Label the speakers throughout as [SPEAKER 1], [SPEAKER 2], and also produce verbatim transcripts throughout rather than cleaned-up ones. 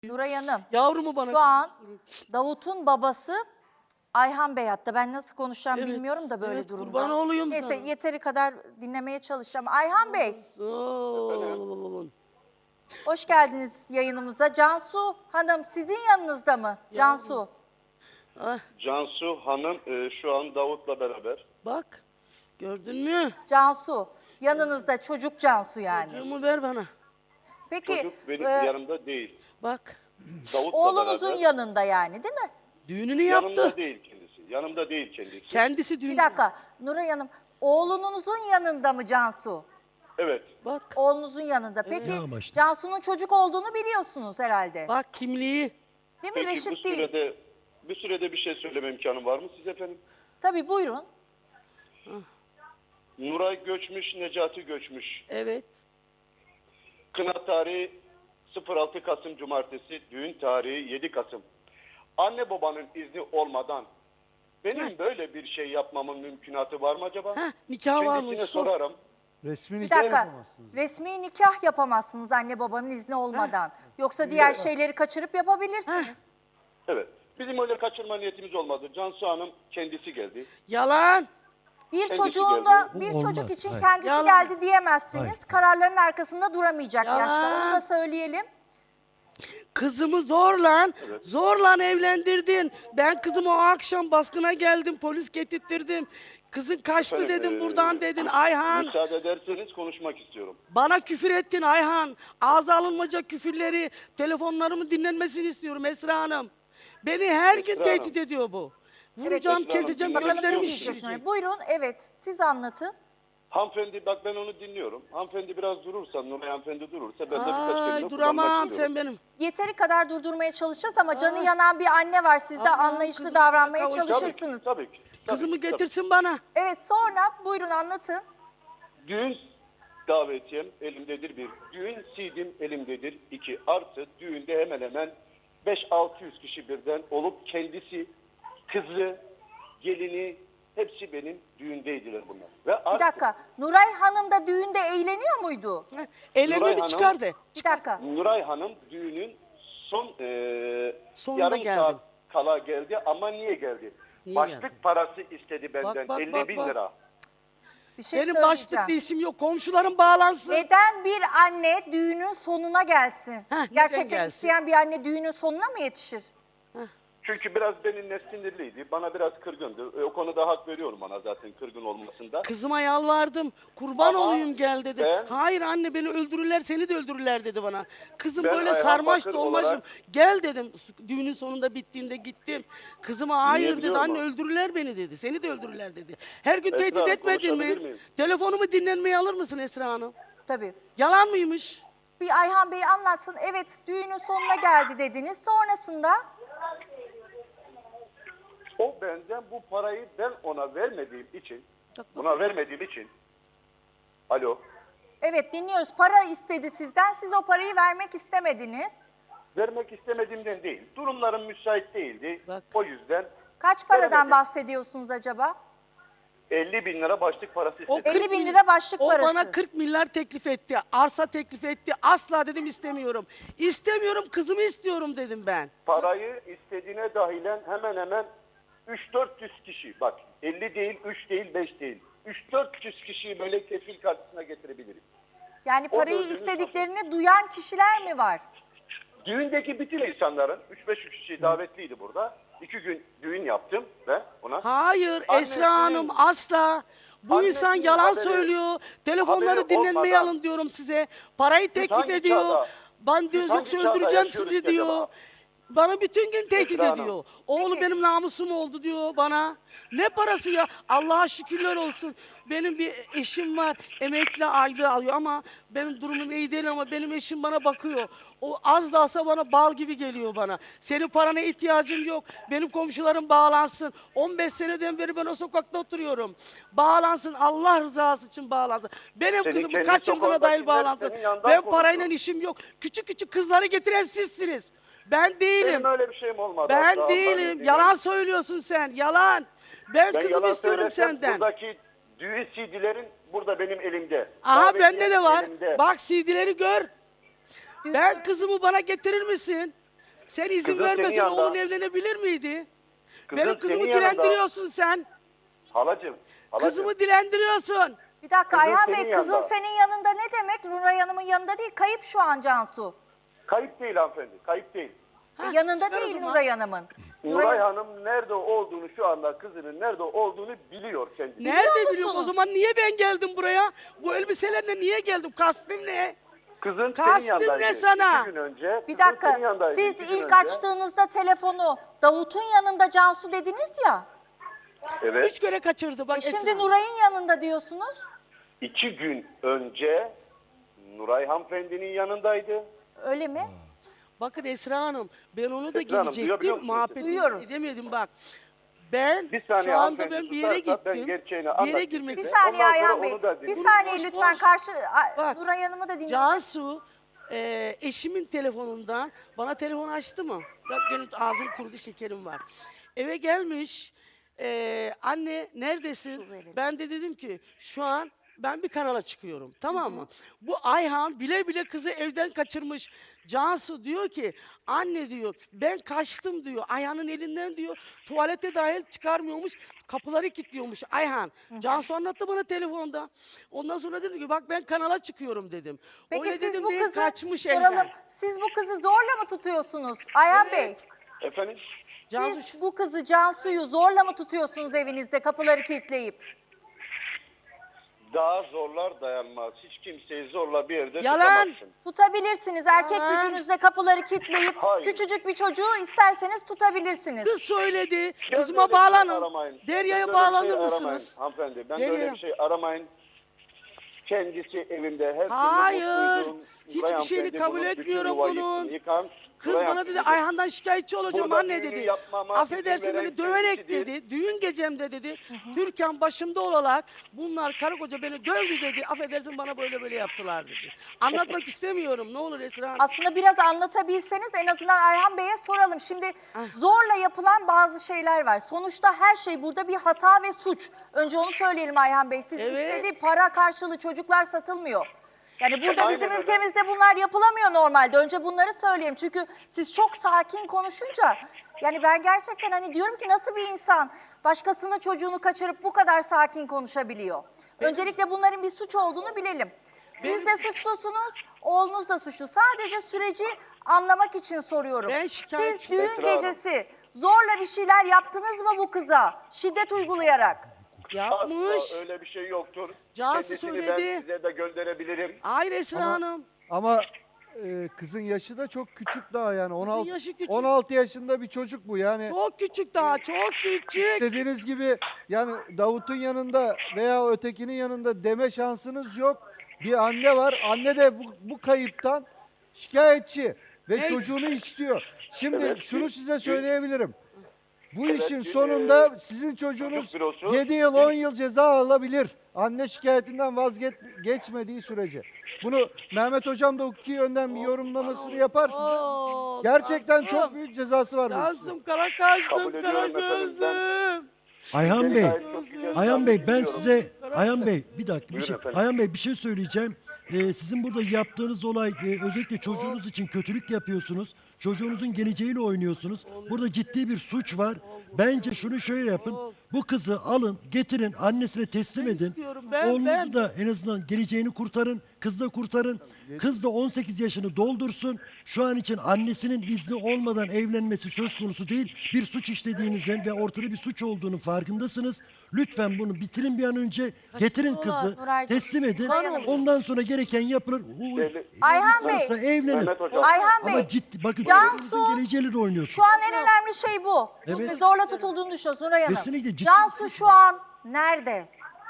[SPEAKER 1] Nuray Hanım,
[SPEAKER 2] Yavrumu bana...
[SPEAKER 1] şu an Davut'un babası Ayhan Bey hatta ben nasıl konuşacağım
[SPEAKER 2] Evet,
[SPEAKER 1] bilmiyorum da böyle
[SPEAKER 2] evet,
[SPEAKER 1] durumda.
[SPEAKER 2] kurban olayım
[SPEAKER 1] Neyse
[SPEAKER 2] sana.
[SPEAKER 1] yeteri kadar dinlemeye çalışacağım. Ayhan Bey,
[SPEAKER 2] Oo.
[SPEAKER 1] hoş geldiniz yayınımıza. Cansu Hanım sizin yanınızda mı? Cansu.
[SPEAKER 2] Ah,
[SPEAKER 3] Cansu Hanım e, şu an Davut'la beraber.
[SPEAKER 2] bak, gördün mü?
[SPEAKER 1] Cansu. Yanınızda çocuk Cansu yani.
[SPEAKER 2] Çocuğumu ver bana.
[SPEAKER 1] Peki
[SPEAKER 3] Çocuk benim
[SPEAKER 1] e,
[SPEAKER 3] yanımda değil.
[SPEAKER 2] Bak,
[SPEAKER 3] Davut'la
[SPEAKER 1] oğlunuzun
[SPEAKER 3] beraber.
[SPEAKER 1] yanında yani değil mi?
[SPEAKER 2] düğününü
[SPEAKER 3] Yanımda
[SPEAKER 2] yaptı.
[SPEAKER 3] değil kendisi. Yanımda değil kendisi.
[SPEAKER 2] Kendisi düğün.
[SPEAKER 1] Bir dakika Nuray Hanım, oğlunuzun yanında mı Cansu?
[SPEAKER 3] Evet.
[SPEAKER 2] Bak,
[SPEAKER 1] Oğlunuzun yanında. Peki
[SPEAKER 4] Ne amaçlı?
[SPEAKER 1] Cansu'nun çocuk olduğunu biliyorsunuz herhalde.
[SPEAKER 2] bak kimliği.
[SPEAKER 1] Değil mi?
[SPEAKER 3] Peki bu
[SPEAKER 1] Reşit değil.
[SPEAKER 3] sürede, bu sürede bir şey söyleme imkanım var mı siz efendim?
[SPEAKER 1] Tabii buyurun.
[SPEAKER 3] Nuray göçmüş, Necati göçmüş.
[SPEAKER 2] Evet.
[SPEAKER 3] Kına tarihi sıfır altı Kasım Cumartesi, düğün tarihi yedi Kasım. Anne babanın izni olmadan benim
[SPEAKER 2] Heh.
[SPEAKER 3] böyle bir şey yapmamın mümkünatı var mı acaba?
[SPEAKER 2] Heh, nikah var mı?
[SPEAKER 3] Kendisine
[SPEAKER 2] Sor.
[SPEAKER 3] sorarım.
[SPEAKER 4] Resmi
[SPEAKER 1] Bir
[SPEAKER 4] nikah
[SPEAKER 1] dakika.
[SPEAKER 4] yapamazsınız.
[SPEAKER 1] Resmi nikah yapamazsınız anne babanın izni olmadan. Yoksa diğer şeyleri kaçırıp yapabilirsiniz.
[SPEAKER 3] Evet. Bizim öyle kaçırma niyetimiz olmadı. Cansu Hanım kendisi geldi.
[SPEAKER 2] Yalan.
[SPEAKER 1] Bir
[SPEAKER 3] Kendisi
[SPEAKER 1] çocuğun da
[SPEAKER 4] Bu
[SPEAKER 1] bir
[SPEAKER 4] olmaz,
[SPEAKER 1] çocuk için
[SPEAKER 4] hayır.
[SPEAKER 1] kendisi
[SPEAKER 2] Yalan.
[SPEAKER 1] geldi diyemezsiniz.
[SPEAKER 4] Hayır.
[SPEAKER 1] Kararların arkasında duramayacak
[SPEAKER 2] Yalan.
[SPEAKER 1] yaşta. Onu da söyleyelim.
[SPEAKER 2] Kızımı zorla, zorla evlendirdin. Ben kızımı o akşam baskına geldim, polis getirttirdim. Kızın kaçtı
[SPEAKER 3] Efendim,
[SPEAKER 2] dedim,
[SPEAKER 3] eee,
[SPEAKER 2] buradan dedin Ayhan.
[SPEAKER 3] Müsaade ederseniz konuşmak istiyorum.
[SPEAKER 2] Bana küfür ettin Ayhan. Ağza alınmayacak küfürleri, telefonlarımın dinlenmesini istiyorum Esra Hanım. Beni her gün
[SPEAKER 3] Esra
[SPEAKER 2] tehdit
[SPEAKER 3] Hanım.
[SPEAKER 2] ediyor bu. Vuracağım,
[SPEAKER 3] Esra Hanım,
[SPEAKER 2] keseceğim,
[SPEAKER 3] dinlemek
[SPEAKER 1] Bakalım ne
[SPEAKER 2] gözlerimi
[SPEAKER 3] istiyorum.
[SPEAKER 1] diyecek.
[SPEAKER 2] şişirecek.
[SPEAKER 1] Buyurun evet siz anlatın.
[SPEAKER 3] Hanımefendi bak ben onu dinliyorum. Hanımefendi biraz durursa, Nuray hanımefendi durursa ben de birkaç
[SPEAKER 2] Ay
[SPEAKER 3] kelime kullanmak
[SPEAKER 2] duramam
[SPEAKER 3] istiyorum.
[SPEAKER 2] sen benim.
[SPEAKER 1] Yeteri kadar durdurmaya çalışacağız ama canı yanan bir anne var. Siz de
[SPEAKER 2] Allah'ım,
[SPEAKER 1] anlayışlı
[SPEAKER 2] kızım,
[SPEAKER 1] davranmaya
[SPEAKER 2] kavuşacağım.
[SPEAKER 1] çalışırsınız.
[SPEAKER 3] Tabii ki. Tabii
[SPEAKER 2] Kızımı
[SPEAKER 3] ki, tabii.
[SPEAKER 2] getirsin bana.
[SPEAKER 1] Evet sonra buyurun anlatın.
[SPEAKER 3] Düğün davetiyem elimdedir bir. Düğün C D'm elimdedir iki. Artı düğünde hemen hemen beş altı yüz kişi birden olup kendisi, kızı, gelini hepsi benim düğündeydiler bunlar. Ve
[SPEAKER 1] Bir
[SPEAKER 3] artı,
[SPEAKER 1] dakika. Nuray Hanım da düğünde eğleniyor muydu?
[SPEAKER 2] Heh, Ellerini
[SPEAKER 3] Nuray
[SPEAKER 2] bir
[SPEAKER 3] Hanım-
[SPEAKER 2] çıkar de.
[SPEAKER 1] Bir dakika.
[SPEAKER 3] Nuray Hanım düğünün son eee
[SPEAKER 2] Sonunda
[SPEAKER 3] yarım
[SPEAKER 2] geldim.
[SPEAKER 3] saat kala geldi ama niye geldi?
[SPEAKER 2] Niye
[SPEAKER 3] Başlık
[SPEAKER 2] geldi?
[SPEAKER 3] parası istedi benden
[SPEAKER 2] bak,
[SPEAKER 3] elli
[SPEAKER 2] bak,
[SPEAKER 3] bin
[SPEAKER 2] bak.
[SPEAKER 3] lira.
[SPEAKER 1] Bir şey
[SPEAKER 2] Benim
[SPEAKER 1] söyleyeceğim.
[SPEAKER 2] başlıklı işim yok. Komşularım bağlansın.
[SPEAKER 1] Neden bir anne düğünün sonuna gelsin?
[SPEAKER 2] Heh, neden
[SPEAKER 1] Gerçekten
[SPEAKER 2] gelsin?
[SPEAKER 1] isteyen bir anne düğünün sonuna mı yetişir?
[SPEAKER 3] Çünkü biraz benimle sinirliydi. Bana biraz kırgındı. E, o konuda hak veriyorum ona zaten kırgın olmasında.
[SPEAKER 2] Kızıma yalvardım. Kurban
[SPEAKER 3] Ama
[SPEAKER 2] olayım gel dedi.
[SPEAKER 3] ben-
[SPEAKER 2] Hayır anne beni öldürürler seni de öldürürler dedi bana. Kızım
[SPEAKER 3] Ben
[SPEAKER 2] böyle
[SPEAKER 3] Ayhan
[SPEAKER 2] sarmaş
[SPEAKER 3] Bakır
[SPEAKER 2] dolmaşım.
[SPEAKER 3] olarak-
[SPEAKER 2] Gel dedim. Düğünün sonunda bittiğinde gittim. Kızıma hayır dedi
[SPEAKER 3] biliyorum
[SPEAKER 2] anne
[SPEAKER 3] ama.
[SPEAKER 2] öldürürler beni dedi. Seni de öldürürler dedi. Her gün
[SPEAKER 3] Esra
[SPEAKER 2] tehdit
[SPEAKER 3] Hanım,
[SPEAKER 2] etmedin mi?
[SPEAKER 3] konuşabilir miyim?
[SPEAKER 2] Telefonumu dinlenmeye alır mısın Esra Hanım?
[SPEAKER 1] Tabii.
[SPEAKER 2] Yalan mıymış?
[SPEAKER 1] Bir Ayhan Bey anlatsın. Evet düğünün sonuna geldi dediniz. Sonrasında
[SPEAKER 3] O benden bu parayı ben ona vermediğim için, buna vermediğim için, alo,
[SPEAKER 1] evet dinliyoruz. Para istedi sizden. Siz o parayı vermek istemediniz.
[SPEAKER 3] vermek istemediğimden değil. Durumlarım müsait değildi.
[SPEAKER 2] Bak.
[SPEAKER 3] O yüzden
[SPEAKER 1] Kaç paradan
[SPEAKER 3] Veremedim.
[SPEAKER 1] bahsediyorsunuz acaba?
[SPEAKER 3] elli bin lira başlık parası
[SPEAKER 2] O
[SPEAKER 3] istedi.
[SPEAKER 1] elli bin lira başlık
[SPEAKER 2] O
[SPEAKER 1] parası.
[SPEAKER 2] bana kırk milyar teklif etti. Arsa teklif etti. Asla dedim istemiyorum. İstemiyorum kızımı istiyorum dedim ben.
[SPEAKER 3] Parayı istediğine dahilen hemen hemen üç dört yüz kişi, bak elli değil, üç değil, beş değil. üç dört yüz kişiyi böyle kefil karşısına getirebilirim.
[SPEAKER 1] Yani
[SPEAKER 3] O
[SPEAKER 1] parayı
[SPEAKER 3] dördünün
[SPEAKER 1] istediklerini duyan kişiler mi var?
[SPEAKER 3] Düğündeki bütün insanların, üç beş kişi davetliydi burada. İki gün düğün yaptım ben ona.
[SPEAKER 2] Hayır
[SPEAKER 3] Annesinin-
[SPEAKER 2] Esra Hanım asla. Bu
[SPEAKER 3] Annesinin
[SPEAKER 2] insan yalan
[SPEAKER 3] haberi-
[SPEAKER 2] söylüyor. Telefonları
[SPEAKER 3] haberi
[SPEAKER 2] dinlenmeye
[SPEAKER 3] olmadan-
[SPEAKER 2] alın diyorum size. Parayı teklif
[SPEAKER 3] hangi
[SPEAKER 2] ediyor.
[SPEAKER 3] çağda-
[SPEAKER 2] Ben diyor
[SPEAKER 3] biz hangi
[SPEAKER 2] yoksa
[SPEAKER 3] çağda
[SPEAKER 2] öldüreceğim
[SPEAKER 3] yaşıyoruz
[SPEAKER 2] sizi
[SPEAKER 3] ki
[SPEAKER 2] diyor.
[SPEAKER 3] acaba?
[SPEAKER 2] Bana bütün gün tehdit
[SPEAKER 3] Esra Hanım.
[SPEAKER 2] ediyor. Oğlu
[SPEAKER 1] Peki.
[SPEAKER 2] benim namusum oldu diyor bana. Ne parası ya? Allah'a şükürler olsun. Benim bir eşim var. Emekli ayrı alıyor ama benim durumum iyi değil ama benim eşim bana bakıyor. O az da alsa bana bal gibi geliyor bana. Senin parana ihtiyacım yok. Benim komşularım bağlansın. on beş seneden beri ben o sokakta oturuyorum. Bağlansın. Allah rızası için bağlansın. Benim
[SPEAKER 3] Senin
[SPEAKER 2] kızımı
[SPEAKER 3] kendi
[SPEAKER 2] kaçırdığına dair
[SPEAKER 3] sokağındakiler
[SPEAKER 2] bağlansın.
[SPEAKER 3] senin yandan
[SPEAKER 2] Ben parayla
[SPEAKER 3] konuşuyor.
[SPEAKER 2] işim yok. Küçük küçük kızları getiren sizsiniz. Ben değilim.
[SPEAKER 3] Benim öyle bir şeyim olmadı.
[SPEAKER 2] Ben
[SPEAKER 3] Asla, Allah'ın
[SPEAKER 2] değilim.
[SPEAKER 3] izniyle.
[SPEAKER 2] Yalan söylüyorsun sen. Yalan. Ben,
[SPEAKER 3] Ben
[SPEAKER 2] kızımı
[SPEAKER 3] yalan
[SPEAKER 2] istiyorum
[SPEAKER 3] söylesem
[SPEAKER 2] senden.
[SPEAKER 3] Buradaki düğün C D'lerin burada benim elimde.
[SPEAKER 2] Aha
[SPEAKER 3] Davetiye
[SPEAKER 2] bende de var.
[SPEAKER 3] elimde.
[SPEAKER 2] Bak C D'leri gör.
[SPEAKER 1] Düğün-
[SPEAKER 2] Ben kızımı bana getirir misin? Sen izin
[SPEAKER 3] Kızın senin
[SPEAKER 2] vermesen
[SPEAKER 3] yanında.
[SPEAKER 2] oğlun evlenebilir miydi?
[SPEAKER 3] Kızın
[SPEAKER 2] Benim kızımı
[SPEAKER 3] senin yanında.
[SPEAKER 2] dilendiriyorsun sen.
[SPEAKER 3] Halacığım, halacığım.
[SPEAKER 2] Kızımı dilendiriyorsun.
[SPEAKER 1] Bir dakika
[SPEAKER 3] Kızın
[SPEAKER 1] Ayhan
[SPEAKER 3] senin
[SPEAKER 1] Bey, kızın
[SPEAKER 3] yanında.
[SPEAKER 1] senin yanında ne demek? Nuray Hanım'ın yanında değil, kayıp şu an Cansu.
[SPEAKER 3] Kayıp değil hanımefendi, kayıp değil.
[SPEAKER 1] E,
[SPEAKER 2] Hah,
[SPEAKER 1] yanında
[SPEAKER 2] çıkar o
[SPEAKER 1] değil
[SPEAKER 2] zaman.
[SPEAKER 1] Nuray Hanım'ın.
[SPEAKER 3] Nuray Hanım nerede olduğunu şu anda kızının nerede olduğunu biliyor kendisi.
[SPEAKER 2] Nerede biliyorum? O
[SPEAKER 1] musunuz?
[SPEAKER 2] zaman niye ben geldim buraya? Bu elbiselerle niye geldim? Kastım ne?
[SPEAKER 3] Kızın
[SPEAKER 2] Kastım
[SPEAKER 3] senin yanındaydı.
[SPEAKER 2] ne sana?
[SPEAKER 3] İki gün önce.
[SPEAKER 1] Bir
[SPEAKER 3] kızın
[SPEAKER 1] dakika,
[SPEAKER 3] senin yanındaydı.
[SPEAKER 1] siz
[SPEAKER 3] İki gün
[SPEAKER 1] ilk
[SPEAKER 3] önce.
[SPEAKER 1] açtığınızda telefonu Davut'un yanında Cansu dediniz ya.
[SPEAKER 3] Evet.
[SPEAKER 2] Üç kere kaçırdı bak
[SPEAKER 1] E şimdi
[SPEAKER 2] Esra.
[SPEAKER 1] Nuray'ın yanında diyorsunuz.
[SPEAKER 3] İki gün önce Nuray hanımefendinin yanındaydı.
[SPEAKER 1] Öyle mi?
[SPEAKER 2] Bakın Esra Hanım, ben onu da
[SPEAKER 3] Esra Hanım, duyabiliyor
[SPEAKER 2] gelecektim.
[SPEAKER 3] musunuz?
[SPEAKER 2] Muhabbetini
[SPEAKER 1] Duyuyoruz.
[SPEAKER 2] edemedim bak. Ben
[SPEAKER 3] Bir saniye
[SPEAKER 2] şu anda ben
[SPEAKER 3] hanımefendi
[SPEAKER 2] bir yere
[SPEAKER 3] tutarsa ben
[SPEAKER 2] gittim.
[SPEAKER 3] gerçeğini
[SPEAKER 2] Bir yere
[SPEAKER 3] anlatayım
[SPEAKER 2] girmek
[SPEAKER 1] Bir
[SPEAKER 3] size.
[SPEAKER 2] istiyorum.
[SPEAKER 1] saniye
[SPEAKER 3] Ondan sonra
[SPEAKER 1] Ayhan Bey.
[SPEAKER 3] onu da
[SPEAKER 1] Bir
[SPEAKER 3] dinleyin.
[SPEAKER 1] saniye
[SPEAKER 2] Boş,
[SPEAKER 1] lütfen
[SPEAKER 2] boş.
[SPEAKER 1] karşı A-
[SPEAKER 2] Bak,
[SPEAKER 1] Nuray Hanım'ı da dinleyin.
[SPEAKER 2] Cansu e, eşimin telefonundan bana telefon açtı mı? Bak benim ağzım kurudu, şekerim var. Eve gelmiş. e, anne neredesin?
[SPEAKER 1] Su verin.
[SPEAKER 2] Ben de dedim ki şu an ben bir kanala çıkıyorum, tamam mı? Bu Ayhan bile bile kızı evden kaçırmış. Cansu diyor ki anne diyor ben kaçtım diyor. Ayhan'ın elinden diyor tuvalete dahil çıkarmıyormuş. Kapıları kilitliyormuş Ayhan. Cansu anlattı bana telefonda. Ondan sonra dedim ki bak ben kanala çıkıyorum dedim.
[SPEAKER 1] Peki
[SPEAKER 2] Öyle
[SPEAKER 1] siz
[SPEAKER 2] dedim
[SPEAKER 1] bu
[SPEAKER 2] diye
[SPEAKER 1] kızı
[SPEAKER 2] kaçmış
[SPEAKER 1] soralım.
[SPEAKER 2] evden.
[SPEAKER 1] Siz bu kızı zorla mı tutuyorsunuz Ayhan Bey?
[SPEAKER 3] Efendim?
[SPEAKER 2] Cansu
[SPEAKER 1] Siz bu kızı Cansu'yu zorla mı tutuyorsunuz evinizde kapıları kilitleyip?
[SPEAKER 3] Daha zorlar dayanmaz. Hiç kimseyi zorla bir yerde
[SPEAKER 2] Yalan.
[SPEAKER 3] tutamazsın.
[SPEAKER 1] Tutabilirsiniz. Erkek
[SPEAKER 2] Aa.
[SPEAKER 1] gücünüzle kapıları kilitleyip
[SPEAKER 3] Hayır.
[SPEAKER 1] küçücük bir çocuğu isterseniz tutabilirsiniz.
[SPEAKER 2] kız söyledi.
[SPEAKER 3] Ben
[SPEAKER 2] Kızıma
[SPEAKER 3] böyle bir şey
[SPEAKER 2] bağlanın.
[SPEAKER 3] aramayın.
[SPEAKER 2] Derya'ya
[SPEAKER 3] Ben böyle bir şey
[SPEAKER 2] bağlanır
[SPEAKER 3] aramayın
[SPEAKER 2] mısınız?
[SPEAKER 3] Hanımefendi ben
[SPEAKER 2] Derya.
[SPEAKER 3] böyle bir şey aramayın. Kendisi evinde her
[SPEAKER 2] Hayır,
[SPEAKER 3] türlü mutluydum.
[SPEAKER 2] hiçbir
[SPEAKER 3] Nuray
[SPEAKER 2] şeyini
[SPEAKER 3] hanımefendi
[SPEAKER 2] kabul
[SPEAKER 3] bunun bütün
[SPEAKER 2] etmiyorum
[SPEAKER 3] yuva
[SPEAKER 2] bunun.
[SPEAKER 3] yıktı, yıkan
[SPEAKER 2] Kız
[SPEAKER 3] Nuray
[SPEAKER 2] bana dedi
[SPEAKER 3] hanımefendi.
[SPEAKER 2] Ayhan'dan şikayetçi olacağım
[SPEAKER 3] Burada
[SPEAKER 2] anne
[SPEAKER 3] düğünü
[SPEAKER 2] dedi.
[SPEAKER 3] yapmama
[SPEAKER 2] Affedersin
[SPEAKER 3] izin veren
[SPEAKER 2] beni döverek
[SPEAKER 3] kendisidir.
[SPEAKER 2] dedi. Düğün gecemde dedi. Türkan başımda olarak bunlar karı koca beni dövdü dedi. Affedersin bana böyle böyle yaptılar dedi. Anlatmak istemiyorum ne olur Esra Hanım.
[SPEAKER 1] Aslında biraz anlatabilseniz en azından Ayhan Bey'e soralım. Şimdi zorla yapılan bazı şeyler var. Sonuçta her şey burada bir hata ve suç. Önce onu söyleyelim Ayhan Bey. Siz
[SPEAKER 2] Evet.
[SPEAKER 1] istediği para karşılığı çocuklar satılmıyor. Yani burada
[SPEAKER 3] Aynen
[SPEAKER 1] bizim
[SPEAKER 3] öyle.
[SPEAKER 1] ülkemizde bunlar yapılamıyor normalde. Önce bunları söyleyeyim. Çünkü siz çok sakin konuşunca yani ben gerçekten hani diyorum ki nasıl bir insan başkasının çocuğunu kaçırıp bu kadar sakin konuşabiliyor? Öncelikle bunların bir suç olduğunu bilelim. Siz de suçlusunuz, oğlunuz da suçlu. Sadece süreci anlamak için soruyorum.
[SPEAKER 2] Ben
[SPEAKER 1] Siz
[SPEAKER 2] şikayetçiyim.
[SPEAKER 1] düğün
[SPEAKER 3] Esra Hanım.
[SPEAKER 1] gecesi zorla bir şeyler yaptınız mı bu kıza? Şiddet uygulayarak.
[SPEAKER 2] Yapmış.
[SPEAKER 3] Asla öyle bir şey yoktur.
[SPEAKER 2] Cansu
[SPEAKER 3] Kendisini
[SPEAKER 2] söyledi.
[SPEAKER 3] ben size de gönderebilirim.
[SPEAKER 2] Hayır Esra Hanım.
[SPEAKER 4] Ama e, kızın yaşı da çok küçük daha yani. on altı,
[SPEAKER 2] yaşı küçük.
[SPEAKER 4] on altı yaşında bir çocuk bu yani.
[SPEAKER 2] Çok küçük daha çok küçük.
[SPEAKER 4] Dediğiniz gibi yani Davut'un yanında veya ötekinin yanında deme şansınız yok. Bir anne var. Anne de bu, bu kayıptan şikayetçi ve
[SPEAKER 2] Evet.
[SPEAKER 4] çocuğunu istiyor. Şimdi
[SPEAKER 3] Evet,
[SPEAKER 4] şunu
[SPEAKER 3] dün-
[SPEAKER 4] size
[SPEAKER 3] dün-
[SPEAKER 4] söyleyebilirim. Bu
[SPEAKER 3] Evet,
[SPEAKER 4] işin
[SPEAKER 3] dün,
[SPEAKER 4] sonunda
[SPEAKER 3] e,
[SPEAKER 4] sizin çocuğunuz
[SPEAKER 3] çocuk bürosu-
[SPEAKER 4] yedi yıl on yıl ceza alabilir. Anne şikayetinden vazgeçmediği sürece. Bunu Mehmet Hocam da hukuki yönden bir yorumlamasını yapar size.
[SPEAKER 2] Oo,
[SPEAKER 4] Gerçekten
[SPEAKER 2] Cansım.
[SPEAKER 4] çok büyük cezası var bu işin.
[SPEAKER 2] Cansım kara kaçtım
[SPEAKER 3] Kabul
[SPEAKER 2] kara
[SPEAKER 3] ediyorum efendim,
[SPEAKER 2] gözüm.
[SPEAKER 5] Ayhan
[SPEAKER 3] Beni
[SPEAKER 5] Bey,
[SPEAKER 3] gayet çok güzel
[SPEAKER 5] Ayhan Bey ben
[SPEAKER 3] biliyorum.
[SPEAKER 5] size, Ayhan Bey bir dakika bir
[SPEAKER 3] Buyurun
[SPEAKER 5] şey,
[SPEAKER 3] efendim.
[SPEAKER 5] Ayhan Bey bir şey söyleyeceğim. Ee, sizin burada yaptığınız olay e, özellikle çocuğunuz için kötülük yapıyorsunuz. Çocuğunuzun geleceğiyle oynuyorsunuz. Burada ciddi bir suç var. Bence şunu şöyle yapın. Bu kızı alın, getirin, annesine teslim
[SPEAKER 2] Ben
[SPEAKER 5] edin.
[SPEAKER 2] istiyorum, ben,
[SPEAKER 5] Oğlunuzu
[SPEAKER 2] ben.
[SPEAKER 5] da en azından geleceğini kurtarın. Kız da kurtarın. Kız da on sekiz yaşını doldursun. Şu an için annesinin izni olmadan evlenmesi söz konusu değil. Bir suç işlediğinizin ve ortada bir suç olduğunu farkındasınız. Lütfen bunu bitirin bir an önce. Getirin kızı,
[SPEAKER 1] Nuraycığım,
[SPEAKER 5] teslim edin.
[SPEAKER 1] Nuray Hanımcığım.
[SPEAKER 5] Ondan sonra gereken yapılır. Hu-
[SPEAKER 3] Belli-
[SPEAKER 1] Ayhan Bey,
[SPEAKER 5] varsa evlenir.
[SPEAKER 3] Mehmet Hocam.
[SPEAKER 1] Ayhan Bey,
[SPEAKER 5] Ama ciddi, bakın
[SPEAKER 1] Cansu,
[SPEAKER 5] çocuğunuzun geleceğiyle de oynuyorsun.
[SPEAKER 1] şu an en önemli şey bu.
[SPEAKER 5] Evet.
[SPEAKER 1] Şimdi zorla tutulduğunu düşünüyorsun Nuray Hanım.
[SPEAKER 5] Kesinlikle ciddi
[SPEAKER 1] Cansu
[SPEAKER 5] bir
[SPEAKER 1] şu an nerede?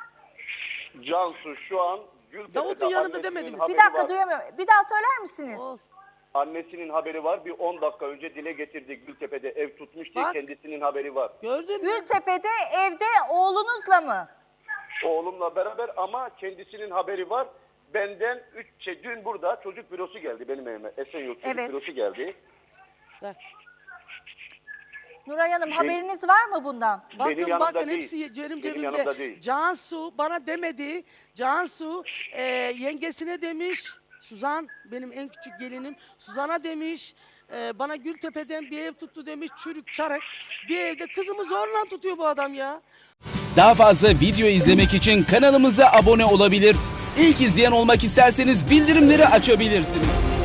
[SPEAKER 3] Cansu şu an Gültepe'de
[SPEAKER 2] Davut'un yanında
[SPEAKER 3] annesinin
[SPEAKER 2] demediniz.
[SPEAKER 3] haberi
[SPEAKER 1] Bir dakika
[SPEAKER 3] var.
[SPEAKER 1] duyamıyorum. Bir daha söyler misiniz?
[SPEAKER 2] Ol.
[SPEAKER 3] Annesinin haberi var. Bir on dakika önce dile getirdi. Gültepe'de ev tutmuş diye
[SPEAKER 2] Bak.
[SPEAKER 3] kendisinin haberi var.
[SPEAKER 2] Gördün mü?
[SPEAKER 1] Gültepe'de evde oğlunuzla mı?
[SPEAKER 3] Oğlumla beraber ama kendisinin haberi var. Benden üç şey, dün burada çocuk bürosu geldi benim evime. Esenyurt çocuk
[SPEAKER 1] Evet.
[SPEAKER 3] bürosu geldi.
[SPEAKER 2] Bak,
[SPEAKER 1] Nuray Hanım haberiniz var mı bundan?
[SPEAKER 2] bakın
[SPEAKER 3] yanımda
[SPEAKER 2] bakın
[SPEAKER 3] değil.
[SPEAKER 2] hepsi cerim
[SPEAKER 3] Benim yanımda
[SPEAKER 2] cebimde.
[SPEAKER 3] değil.
[SPEAKER 2] Cansu bana demedi. Cansu e, yengesine demiş. Suzan benim en küçük gelinim. Suzan'a demiş. Ee, bana Gültepe'den bir ev tuttu demiş, çürük çarık. Bir evde kızımı zorla tutuyor bu adam ya.
[SPEAKER 6] Daha fazla video izlemek için kanalımıza abone olabilir. İlk izleyen olmak isterseniz bildirimleri açabilirsiniz.